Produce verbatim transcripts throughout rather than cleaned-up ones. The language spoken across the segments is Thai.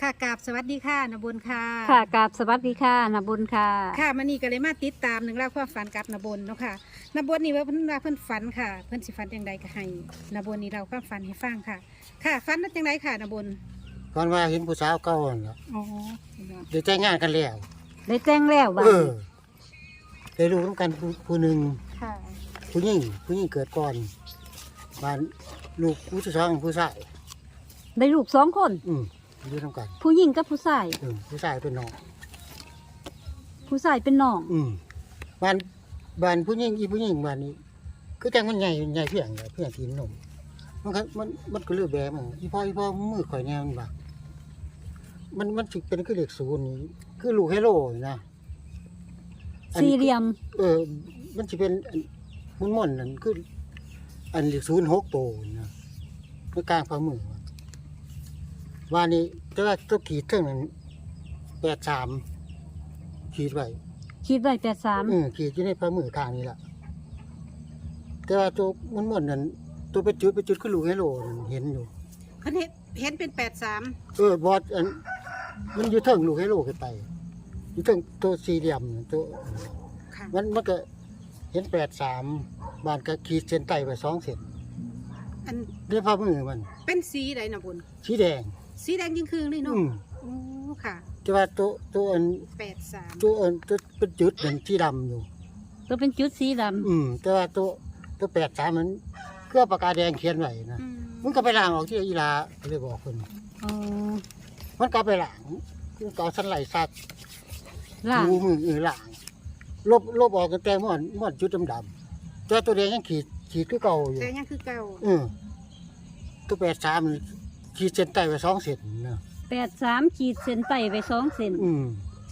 ค่ะกราบสวัสดีค่ะนบุญค่ะค่ะกราบสวัสดีค่ะนบุญค่ะค่ะมันนี่ก็เลยมาติดตามหนึ่งเล่าความฝันกับนบุญเนาะค่ะนบุญนี่ว่าเพิ่นว่าเพิ่นฝันค่ะ เพิ่นสิฝันอย่างใดก็ให้นบุญนี่เราความฝันให้ฟังค่ะ ค่ะฝันว่าจังไดค่ะนบุญก่อนว่าเห็นผู้สาวเก่าหั่นล่ะอ๋อเดี๋ยวแต่งงานกันแล้วได้แจ้งแล้วบ้าเออได้รู้ร่วมกันผู้ผู้หนึ่งค่ะผู้หญิงผู้หญิงเกิดก่อนบ้านลูกผู้ที่สองผู้ชายได้ลูกสองคนอืมอยู่ร่วมกันผู้หญิงกับผู้ชายเออผู้ชายเป็นน้องผู้ชายเป็นน้องอืมบ้านบ้านผู้หญิงอีผู้หญิงบ้านนี้คือจังมันใหญ่ใหญ่เพียงเพียงกินนมมันก็มันมันก็เลือกแบบมันอีพ่ออีพ่อมือข่อยแนวมันบ่ามันมันสิเป็นคือเลขศูนย์นี่คือลูกเฮโร่นี่นะอันสี่เหลี่ยมเออ มันจะเป็นมุนม่อนนั่นคืออันเลขศูนย์หกโตนะในกลางฝ่ามือว่านี้แต่ว่าตัวขีดเท่านั้นแปดสามขีดไว้คิดไว้แปดสามอืมขีดอยู่ในฝ่ามือข้างนี้ล่ะแต่ว่าตัวมุนม่อนนั่นตัวไปจุดไปจุดคือลูกไฮโลนั่นเห็นอยู่เพิ่นเห็นเห็นเป็นแปดสามเออบอสอันมันอยู่เทิงลูกไฮโลขึ้นไปอยู่เทิงตัวสี่เหลี่ยมนั่นตัวค่ะมันมันก็เห็นแปดสามบานก็ขีดเส้นใต้ไปสองเส้นอันด้วยฝ่ามือมันเป็นสีใดนบุญสีแดงสีแดงยิ่งคืนเลยเนาะอืมโอ้ค่ะแต่ว่าตัวตัวอันแปดสามตัวอันตัวเป็นจุดเหมือนสีดำอยู่ตัวเป็นจุดสีดอืมแต่ว่าตัวตัวแปดสามมันเครื่องปากกาแดงเขียนไว้นะอืมมันก็ไปล้างออกที่อีลาเลยบอกคนำอ๋อมันก็ไปล้างมันก็เอาสันไหลซักล่างดูมือเออล้างลบลบออกกันแต่ม่อนม่อนจุดดำๆแต่ตัวแดงยังขีดขีดคือเก่าอยู่แต่ยังคือเก่าเออตัวแปดสามมันขีดเส้นใต้ไปสองเส้นนะแปดสามขีดเส้นใต้ไปสองเส้นอืม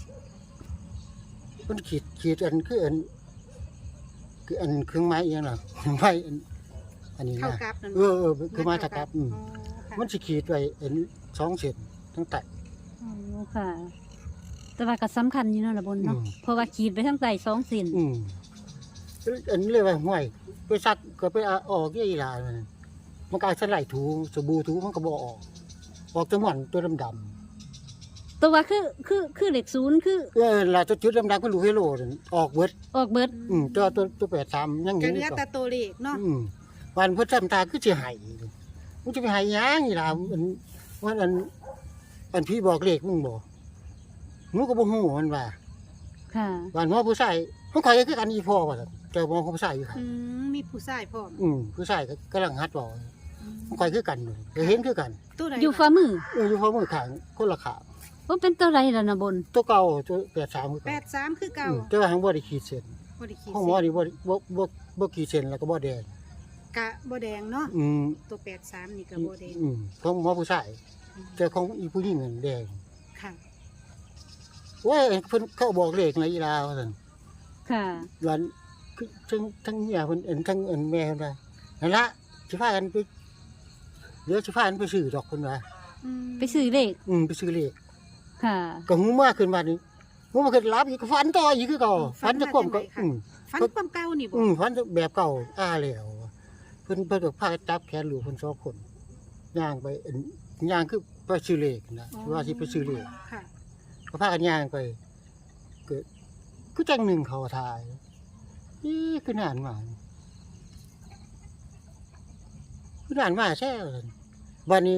มันขีดขีดอันคืออันคืออันเครื่องไม้เองหรอเครื่องไม้อันอันนี้เข้านะกับนั่นเออเออคือไม้ตะกับอืมอ๋อค่ะมันสิขีดไว้อันสองเส้นทั้งใต้อ๋อค่ะ แต่ว่าก็สำคัญอยู่เนาะนบุญเนาะอืมเพราะว่าขีดไปทั้งใต้สองเส้นอืมอันนี้เลยว่าห่วยไปซักก็ไปเอาออกยี่อีหลามันมันก็เอาสไลด์ถูสบู่ถูมันก็บ่ออกออกแตัวหม่อนตัวดำตัวว่าคือคือคือเลขศูนย์คือๆเออลาตัวจุดดำๆก็รู้ให้โลนั่นออกเบิดออกเบิดอืมตัวตัวตัวแปดสามยังก็เห็นเหอลืยู่อก่อแต่นตัวเลขเนาะอืมวันเพิ่นทำตาคือสิให้มันจะไปให้หยังอีหลาอันว่าอันอันพี่บอกเลขมึงบ่หนูก็บ่ฮู้มันว่าค่ะวันหมอผู้ชายมันข่อยก็คือกันอีพ่อว่าซั่นแต่หมอผู้ชายอยู่ค่ะอืมมีผู้ชายพร้อมอืมผู้ชายก็กำลังหัดบอกมันข่อยคือกันอยู่ก็เห็นคือกันตัวใดอยู่ฝ่ามือเอออยู่พอมือข้างคนละขางว่าเป็นตัวไรล่ะนบุญตัวเก่าตัวแปดสามคือแปเก่าดสามคือเก่าอืมแต่ว่าทางบ่ได้ขีดเส้นบ่ได้ขีดห้องหมอนี่บ่บ่บ่บ่ขีดเส้นแล้วก็บ่แดงกะบ่แดงเนาะอืมตัวแปดสามนี่ก็บ่แดงอืมของหมอผู้ชายแต่ของอีผู้หญิงนั่นแดงค่ะโอ้ยเพิ่นเขาบอกเลขในอีลาว่าซั่นค่ะวันคือทั้งทั้งเมียเพิ่นเอิ้นทั้งเอิ้นแม่เพิ่นว่านั่นละสิพากันไปเดี๋ยวสิพากันไปซื้อดอกเพิ่นว่าอืมไปซื้อเลขอืมไปซื้อเลขค่ะก็หูมาขึ้นมานี่หูมาขึ้นรับอีกก็ฝันต่ออีกคือเก่าฝันจะความก็อืมฟันความเก่านี่บ่อืมฝันแบบเก่าอ้าแล้วเพิ่นเพิ่นก็พาจับแขนลูกเพิ่นสองคนย่างไปเอิ้นย่างคือไปซื้อเลขนะว่าสิไปซื้อเลขค่ะก็พากันย่างไปเกิดคือจังหนึ่งเขาทายอีคือนานมาคือนานมาแซ่วันนี้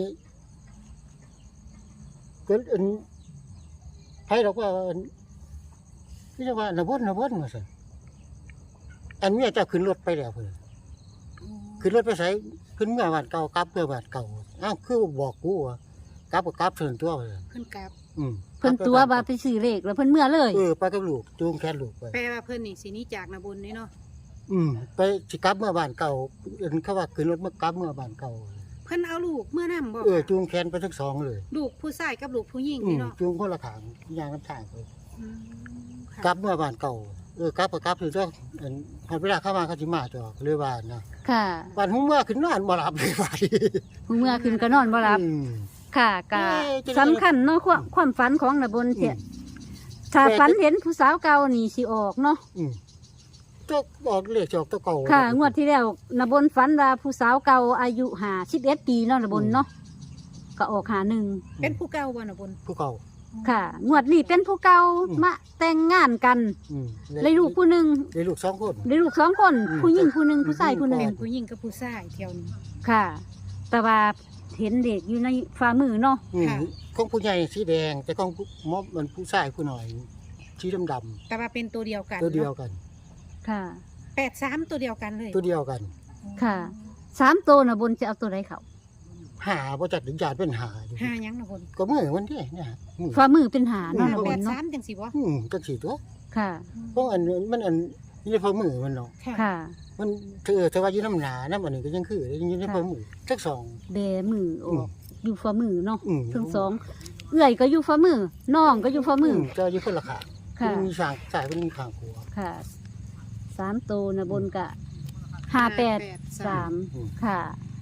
เกิดอันไผดอกว่าอันนี่จะว่านะบ่นนะบ่นว่าซั่นอันเมียเจ้าขึ้นรถไปแล้วเพิ่นขึ้นรถไปไสขึ้นเมื่อบ้านเก่ากลับเมื่อบ้านเก่าอ้าวคือบอกกูว่ากลับก็กลับเถินตัวว่าซั่นเพิ่นกลับอืมเพิ่นตัวว่าไปซื้อเลขแล้วเพิ่นเมื่อเลยเออไปกับลูกจูงแขนลูกไปแปลว่าเพิ่นนี่สิหนี้จากนาบุญนี่เนาะอืมไปสิกลับเมื่อบ้านเก่าเอิ้นเขาว่าขึ้นรถเมื่อกลับเมื่อบ้านเก่าเพิ่นเอาลูกเมื่อนํบ่เออจูงแขนไปทั้งสองเลยลูกผู้ชายกับลูกผู้หญิงอืนี่มเนาะจูงคนละขางย่างน้ำทางไปอืมค่ะกลับเมื่อบ้านเก่าเออกลับก็กลับถึงต้องอันพอเวลาเข้ามาเขาสิมาจอกเลยว่านะค่ะวันหุ้มเมื่อขึ้นนอนบ่หลับเลยว่าดิเมื่อคืนก็นอนบ่หลับอืมค่ะกะเอ้ยจะได้สำคัญเนาะความความฝันของนบุญเสียอืมถ้าแต่ฝันเห็นผู้สาวเก่านี่สิออกเนาะอืมตัวออกเลขจอกตัวเก่าค่ะ งวดที่แล้วนบุญฝันว่าผู้สาวเก่าอายุห้าสิบเอ็ดปีเนาะนบุญเนาะก็ออกหาหนึ่งเป็นผู้เก่าบ่นะบนผู้เก่าค่ะ งวดนี้เป็นผู้เก่าอืมมาแต่งงานกันอืมเลยลูกผู้หนึ่งได้ลูกสองคนเลยลูกสองคนอืมผู้หญิงผู้หนึ่งผู้ชายผู้หนึ่งเป็นผู้หญิงกับผู้ชายเที่ยวนี้ค่ะ แต่ว่าเห็นเด็กอยู่ในฝ่ามือเนาะอืมค่ะของผู้ใหญ่สีแดงแต่ของมอบมันผู้ชายผู้น้อยสีดำๆแต่ว่าเป็นตัวเดียวกันตัวเดียวกันค่ะแปดสามตัวเดียวกันเลยตัวเดียวกันค่ะสามตัวนะบนจะเอาตัวใดเขาหาบ่จัดถึงญาติเป็นหาอยู่ห้าหยังนะบนก็มือมันเด้เนี่ยมือฝ่ามือเป็นหาเนาะอืนะบแปนดเนาะสามจังสิบ่อืมจังสี่ตัวค่ะเพราะอันมันอันนี่ในฝ่ามือมันเนาะค่ะค่ะมันเธอเธอว่าอยู่น้ำหนาน้ำอันนี้ก็ยังคืออยู่ในฝ่ามือทั้งสองแบมือออือมกอยู่ฝ่ามือเนาะอืมทั้งสองเอื้อยก็อยู่ฝ่ามือน้องก็อยู่ฝ่ามือจะอยู่คนละขาค่ะมีสางสายเป็นมีขางหัวค่ะสามตัวนะบนกะห้าแปดสามอืมค่ะ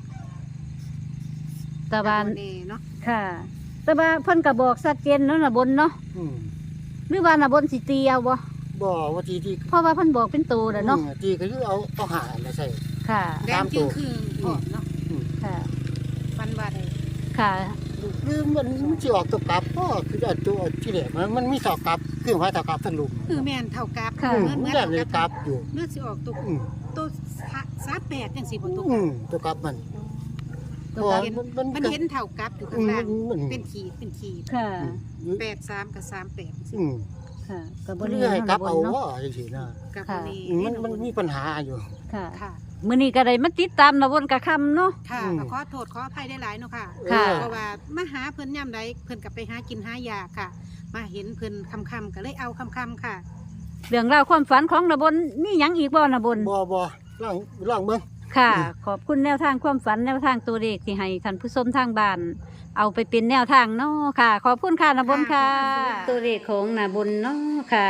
ตะบ้าวัน นเน่เนาะค่ะ แต่ว่าเพิ่นก็บอกชัดเจนแล้วนะบนเนาะอืมหรือว่านะบนสิตีเอาบ่บ่ว่าทีที่เพราะว่าเพิ่นบอกเป็นตัวแล้วเนาะอืมทีก็คือเอาเอาหามาใส่ค่ะแดงจึงคือออกเนาะค่ะฟันว่าได้ค่ะคือมันมันสิออกตัวกลับก็คืออันตัวที่แรกมันมันมีสอกกลับคือว่าสอกกลับทั้งลุมคือแม่นเท่ากับค่ะอืมเหมือนมัเหมืนอนได้เท่าเลยกับกลับอยู่เนื้อสิออกตัวอืมตัวสาแปดจังสิบ่ตัวอืมตัวกลับมันตัวเพราะกลัว่าบมันมันมันเห็นเท่ากับอยู่อืข้างมล่างมันมันเป็นขีดเป็นขีดค่ะอืมแปดสามกับสามแปดอืมค่ะก็บ่มันได้เรื่อยกลับเอาเนาะว่าจังซี่นะกับค่ะนี่อืมมันมันมีปัญหาอยู่ค่ะค่ะมื้อนี้ก็ได้มาติดตามนะบนกะค่ำเนาะค่ะอืมก็ขอโทษขออภัยได้หลายๆเนาะค่ะค่ะเพราะว่ามาหาเพิ่นย่ำใดเพิ่นกลับไปหากินหายาค่ะ มาเห็นเพิ่นคำๆก็เลยเอาคำๆค่ะเรื่องราวความฝันของนะบนมีหยังอีกบ่นะบนบ่บ่ล่างล่างเบิ่งค่ะอืมขอบคุณแนวทางความฝันแนวทางตัวเลขที่ให้ท่านผู้ชมทางบ้านเอาไปเป็นแนวทางเนาะค่ะ ขอบคุณค่ะนะบนค่ะค่ะตัวเลขของนะบนเนาะค่ะ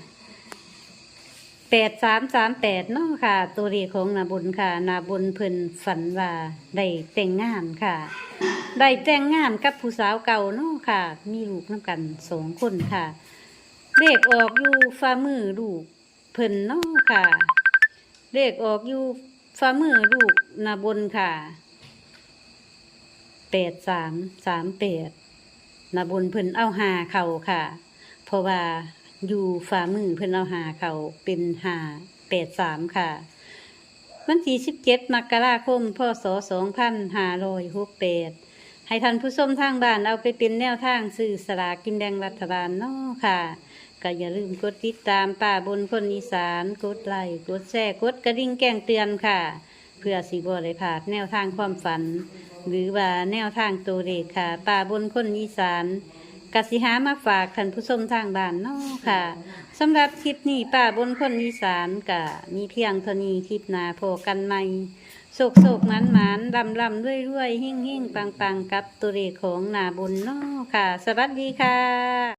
แปดสามสามแปดเนาะค่ะ ตัวเลขของนาบนค่ะนาบนเพิ่นฝันว่าได้แต่งงานค่ะ ได้แต่งงานกับผู้สาวเก่าเนาะค่ะ มีลูกน้ำกันสองคนค่ะ เลขออกอยู่ฝ่ามือลูกเพิ่นเนาะค่ะ เลขออกอยู่ฝ่ามือลูกนาบนค่ะแปดสามสามแปดนาบนเพิ่นเอาหาเข่าค่ะ เพราะว่าอยู่ฝ่ามือเพิ่นเอาหาเข่าเป็นหาแปดสามค่ะ วันที่สิบเจ็ดมกราคมพศสองพันห้าร้อยหกแปดให้ท่านผู้ชมทางบ้านเอาไปเป็นแนวทางซื้อสลากกินแดงรัฐบาลเนาะค่ะ ก็อย่าลืมกดติดตามป่าบนคนอีสานกดไลค์กดแชร์กดกระดิ่งแจ้งเตือนค่ะ เพื่อสิบ่ได้พลาดแนวทางความฝัน หรือว่าแนวทางตัวเลขค่ะ ป่าบนคนอีสานกสิหามาฝากท่านผู้ชมทางบ้านเนาะค่ะสำหรับคลิปนี้ป่าบนคนอีสานกะมีเพียงเท่านี้คลิปหน้าพบกันใหม่โศกโศกหมันหมันลำลำด้วยด้วยหิ่งหิ่งปังปังกับตัวเลขของหนาบนเนาะค่ะ สวัสดีค่ะ